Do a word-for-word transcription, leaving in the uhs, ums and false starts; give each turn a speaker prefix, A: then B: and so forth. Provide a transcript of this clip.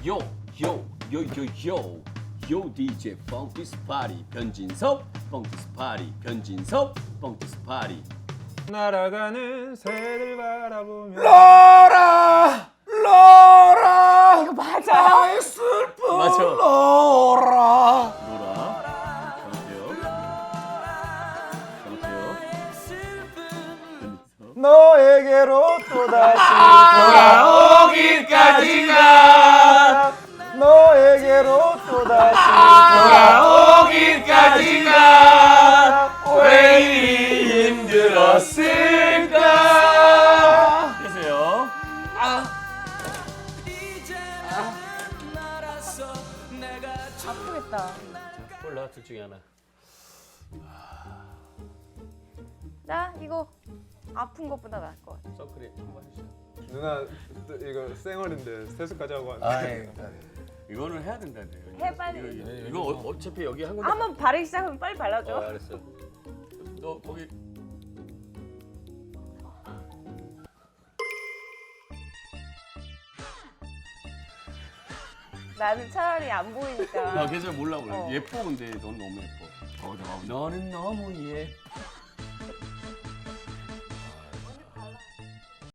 A: 요, 요, 요, 요, 요. 요 디제이 펑키스 파리 변진섭, 펑키스 파리 변진섭, 펑키스 파리.
B: 날아가는 새들 바라보며
C: 로라 로라
D: 이거 맞아요?
C: 나의 슬픈
A: 맞아.
C: 로라
A: 노라. 잘못해요. 잘못해요.
B: 너에게로 또다시
C: 돌아오기까지가
B: 너에게로 또다시
C: 돌아오기까지가 왜 이리 힘들었을까.
A: 되세요.
D: 아프겠다.
A: 몰라 둘 중에 하나.
D: 나 이거 아픈 것보다 나을 것 같아.
A: 선크림 한번 해주세요.
B: 누나 또 이거 쌩얼인데 세수까지 하고 왔는데
C: 아이,
A: 이거는 해야 된다는데.
D: 해, 빨리.
A: 이거, 이거, 이거 어- 어차피 여기 한 군데.
D: 한번 바르기 시작하면 빨리 발라줘.
A: 어, 알았어. 너 거기
D: 나는 차라리 안 보이니까.
A: 나 계절 몰라 그래.
D: 어.
A: 예뻐 근데 넌 너무 예뻐. 어, 너, 너는 너무 예뻐.